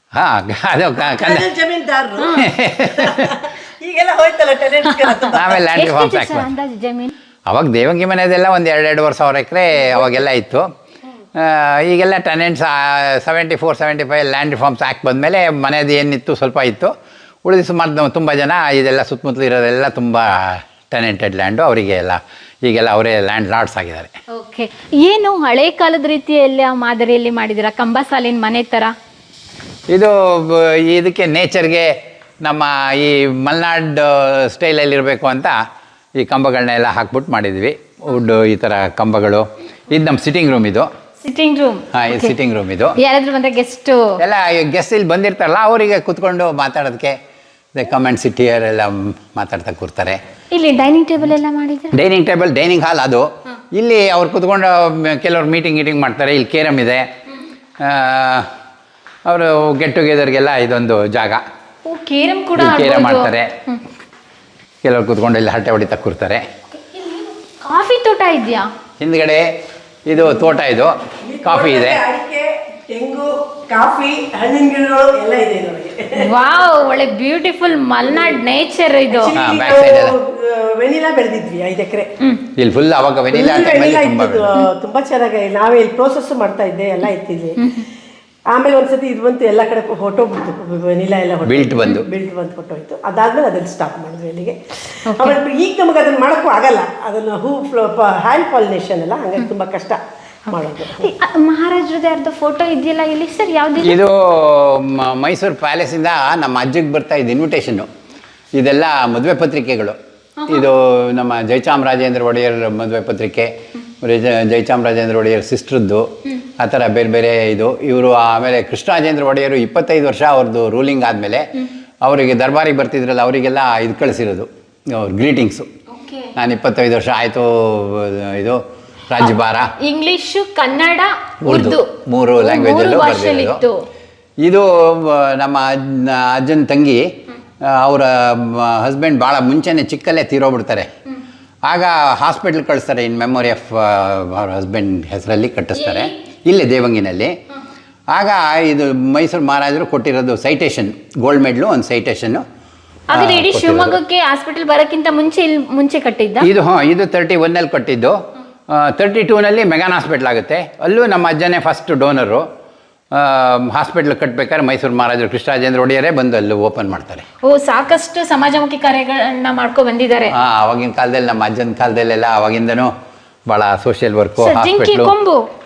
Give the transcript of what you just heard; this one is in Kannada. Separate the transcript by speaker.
Speaker 1: ಹಾಂ ಅದು
Speaker 2: ಜಮೀನ್ದಾರರು ಈಗೆಲ್ಲ ಹೋಯ್ತಲ್ಲ
Speaker 1: ಆಮೇಲೆ ಲ್ಯಾಂಡ್ ರಿಫಾರ್ಮ್ಸ್
Speaker 3: ಎಷ್ಟಿದೆ ಸರ್ ಅಂದಾಜು ಜಮೀನು?
Speaker 1: ಅವಾಗ ದೇವಂಗಿ ಮನೆಯದೆಲ್ಲ ಒಂದು 2-2.5 ಸಾವಿರ ಎಕರೆ ಅವಾಗೆಲ್ಲ ಇತ್ತು. ಈಗೆಲ್ಲ ಟೆನೆಂಟ್ಸ್ 74-75 ಲ್ಯಾಂಡ್ ರಿಫಾರ್ಮ್ಸ್ ಆ್ಯಕ್ಟ್ ಬಂದಮೇಲೆ ಮನೆಯದು ಏನಿತ್ತು ಸ್ವಲ್ಪ ಇತ್ತು, ಉಳಿದು ಸುಮಾರು ತುಂಬ ಜನ ಇದೆಲ್ಲ ಸುತ್ತಮುತ್ತಲು ಇರೋದೆಲ್ಲ ತುಂಬ ಟೆನೆಂಟೆಡ್ ಲ್ಯಾಂಡು ಅವರಿಗೆ ಎಲ್ಲ ಈಗೆಲ್ಲ ಅವರೇ ಲ್ಯಾಂಡ್ ಲಾರ್ಡ್ಸ್ ಆಗಿದ್ದಾರೆ.
Speaker 3: ಓಕೆ, ಏನು ಹಳೆ ಕಾಲದ ರೀತಿಯಲ್ಲಿ ಮಾದರಿಯಲ್ಲಿ ಮಾಡಿದ್ದೀರಾ, ಕಂಬ ಸಾಲಿನ ಮನೆ ಥರ?
Speaker 1: ಇದು ಇದಕ್ಕೆ ನೇಚರ್ಗೆ ನಮ್ಮ ಈ ಮಲೆನಾಡ್ ಸ್ಟೈಲಲ್ಲಿ ಇರಬೇಕು ಅಂತ ಈ ಕಂಬಗಳನ್ನೆಲ್ಲ ಹಾಕ್ಬಿಟ್ಟು ಮಾಡಿದ್ವಿ. ವುಡ್ ಈ ಥರ ಕಂಬಗಳು. ಇದು ನಮ್ಮ ಸಿಟ್ಟಿಂಗ್ ರೂಮ್ ಇದು.
Speaker 3: Sitting room?
Speaker 1: ಹಾಂ, ಇದು ಸಿಟ್ಟಿಂಗ್ ರೂಮ್ ಇದು.
Speaker 3: ಯಾರಾದ್ರೂ ಬಂದರೆ ಗೆಸ್ಟು
Speaker 1: ಎಲ್ಲ ಗೆಸ್ಟ್ ಇಲ್ಲಿ ಬಂದಿರ್ತಾರಲ್ಲ ಅವರಿಗೆ ಕೂತ್ಕೊಂಡು ಮಾತಾಡೋದಕ್ಕೆ ಕಮೆಂಟ್ ಸಿಟಿ ಎಲ್ಲ ಮಾತಾಡ್ತಾ ಕೂರ್ತಾರೆ.
Speaker 3: ಇಲ್ಲಿ ಡೈನಿಂಗ್ ಟೇಬಲ್ ಎಲ್ಲ ಮಾಡಿದ್ರೆ?
Speaker 1: ಡೈನಿಂಗ್ ಟೇಬಲ್, ಡೈನಿಂಗ್ ಹಾಲ್ ಅದು. ಇಲ್ಲಿ ಅವ್ರು ಕೂತ್ಕೊಂಡು ಕೆಲವ್ರು ಮೀಟಿಂಗ್ ಮಾಡ್ತಾರೆ. ಇಲ್ಲಿ ಕೇರಮ್ ಇದೆ. ಅವರು ಗೆಟ್ ಟುಗೆದರ್ಗೆಲ್ಲ ಇದೊಂದು ಜಾಗ.
Speaker 3: ಓ, ಕೇರಮ್ ಕೂಡ
Speaker 1: ಕೇರಮ್ ಮಾಡ್ತಾರೆ. ಕೆಲವ್ರು ಕೂತ್ಕೊಂಡು ಇಲ್ಲಿ ಹರಟೆ ಹೊಡಿತಾ ಕೂರ್ತಾರೆ.
Speaker 3: ಕಾಫಿ ತೋಟ ಇದೆಯಾ
Speaker 1: ಹಿಂದ್ಗಡೆ? ಇದು ತೋಟ, ಇದು ಕಾಫಿ ಇದೆ.
Speaker 2: ಅಡಿಕೆ, ತೆಂಗು, ಕಾಫಿ, ಹಣ್ಣಿನ ಗಿಡಗಳು ಎಲ್ಲ ಇದೆ ಇದರೊಳಗೆ.
Speaker 3: ವಾವ್, ಒಳ್ಳೆ ಬ್ಯೂಟಿಫುಲ್ ಮಲ್ನಾಡ್ ನೇಚರ್ ಇದು.
Speaker 1: ಬ್ಯಾಕ್ ಸೈಡ್ ಎಲ್ಲ
Speaker 2: ವೆನಿಲಾ ಬೆಳೆದಿದ್ವಿ 5 ಎಕರೆ.
Speaker 1: ಇಲ್ಲಿ ಫುಲ್ ಅವಾಗ ವೆನಿಲಾ
Speaker 2: ತುಂಬಾ ಚೆನ್ನಾಗಿ ನಾವೇ ಇಲ್ಲಿ ಪ್ರೋಸೆಸ್ ಮಾಡ್ತಾ ಇದ್ದೆ, ಎಲ್ಲ ಇತ್ತಿದ್ವಿ. ಆಮೇಲೆ ಒಂದ್ಸತಿ ಇದು ಬಂತು, ಎಲ್ಲ ಕಡೆ ಹೊಟ್ಟೋಗ್ಬಿಡ್ತು, ವೆನಿಲಾ ಎಲ್ಲ ಬಿಲ್ಟ್ ಬಂದು ಹೊಟ್ಟೋಯ್ತು. ಅದಾದ್ಮೇಲೆ ಅದನ್ನು ಸ್ಟಾಪ್ ಮಾಡಿದ್ವಿ ಇಲ್ಲಿಗೆ. ಆಮೇಲೆ ಈಗ ನಮಗೆ ಅದನ್ನು ಮಾಡೋಕ್ಕೂ ಆಗಲ್ಲ, ಅದನ್ನು ಹ್ಯಾಂಡ್ ಪಾಲಿನೇಷನ್ ಅಲ್ಲ, ಹಂಗಾಗಿ ತುಂಬ ಕಷ್ಟ ಮಾಡೋದು.
Speaker 3: ಮಹಾರಾಜರದ್ದು ಯಾರ್ದು ಫೋಟೋ ಇದೆಯಲ್ಲ ಇಲ್ಲಿ ಸರ್? ಯಾವ್ದು
Speaker 1: ಇದು? ಮೈಸೂರು ಪ್ಯಾಲೇಸಿಂದ ನಮ್ಮ ಅಜ್ಜಿಗೆ ಬರ್ತಾ ಇದ್ದ ಇನ್ವಿಟೇಷನ್ನು. ಇದೆಲ್ಲ ಮದುವೆ ಪತ್ರಿಕೆಗಳು. ಇದು ನಮ್ಮ ಜಯಚಾಮರಾಜೇಂದ್ರ ಒಡೆಯರ್ ಮದುವೆ ಪತ್ರಿಕೆ, ಜಯಚಾಮರಾಜೇಂದ್ರ ಒಡೆಯರ್ ಸಿಸ್ಟ್ರದ್ದು, ಆ ಥರ ಬೇರೆ ಬೇರೆ ಇದು. ಇವರು ಆಮೇಲೆ ಕೃಷ್ಣರಾಜೇಂದ್ರ ಒಡೆಯರು 25 ವರ್ಷ ಅವ್ರದ್ದು ರೂಲಿಂಗ್ ಆದಮೇಲೆ ಅವರಿಗೆ ದರ್ಬಾರಿಗೆ ಬರ್ತಿದ್ರಲ್ಲ, ಅವರಿಗೆಲ್ಲ ಇದು ಕಳಿಸಿರೋದು ಅವ್ರ ಗ್ರೀಟಿಂಗ್ಸು. ನಾನು 25 ವರ್ಷ ಆಯಿತು, ಇದು ರಾಜ್ಯಭಾರ,
Speaker 3: ಇಂಗ್ಲಿಷು, ಕನ್ನಡ, ಉರ್ದು
Speaker 1: 3 ಲ್ಯಾಂಗ್ವೇಜಲ್ಲೂ ಬರೆದಿರೋದು. ಇದು ನಮ್ಮ ಅಜ್ಜನ ತಂಗಿ, ಅವರ ಹಸ್ಬೆಂಡ್ ಭಾಳ ಮುಂಚೆನೇ ಚಿಕ್ಕಲ್ಲೇ ತೀರೋಗ್ಬಿಡ್ತಾರೆ. ಆಗ ಹಾಸ್ಪಿಟ್ಲ್ ಕಳಿಸ್ತಾರೆ, ಇನ್ ಮೆಮೊರಿ ಆಫ್ ಅವ್ರ ಹಸ್ಬೆಂಡ್ ಹೆಸರಲ್ಲಿ ಕಟ್ಟಿಸ್ತಾರೆ ಇಲ್ಲೇ ದೇವಂಗಿನಲ್ಲಿ. ಆಗ ಇದು ಮೈಸೂರು ಮಹಾರಾಜರು ಕೊಟ್ಟಿರೋದು ಸೈಟೇಷನ್, ಗೋಲ್ಡ್ ಮೆಡ್ಲು, ಒಂದು ಸೈಟೇಷನ್ನು.
Speaker 3: ಹಾಗಾದ್ರೆ ಇಡೀ ಶಿವಮೊಗ್ಗಕ್ಕೆ ಹಾಸ್ಪಿಟಲ್ ಬರೋಕ್ಕಿಂತ ಮುಂಚೆ ಕಟ್ಟಿದ್ದ
Speaker 1: ಇದು? ಇದು 31ನಲ್ಲಿ ಕಟ್ಟಿದ್ದು. 32ನಲ್ಲಿ ಮೆಗಾನ್ ಹಾಸ್ಪಿಟ್ಲ್ ಆಗುತ್ತೆ. ಅಲ್ಲೂ ನಮ್ಮ ಅಜ್ಜನೇ ಫಸ್ಟ್ ಡೋನರು. ಹಾಸ್ಪಿಟ್ಲ್ ಕಟ್ಟಬೇಕಾದ್ರೆ ಮೈಸೂರು ಮಹಾರಾಜರು ಕೃಷ್ಣರಾಜೇಂದ್ರ ಒಡೆಯರೇ ಬಂದು ಅಲ್ಲಿ ಓಪನ್ ಮಾಡ್ತಾರೆ.
Speaker 3: ಓ, ಸಾಕಷ್ಟು ಸಮಾಜಮುಖಿ ಕಾರ್ಯಗಳನ್ನ ಮಾಡ್ಕೊ ಬಂದಿದ್ದಾರೆ.
Speaker 1: ಆವಾಗಿನ ಕಾಲದಲ್ಲಿ, ನಮ್ಮ ಅಜ್ಜನ ಕಾಲದಲ್ಲೆಲ್ಲ ಅವಾಗಿಂದನೂ ಭಾಳ ಸೋಷಿಯಲ್ ವರ್ಕು, ಹಾಸ್ಪಿಟ್ಲು.
Speaker 3: ಕೊಂಬು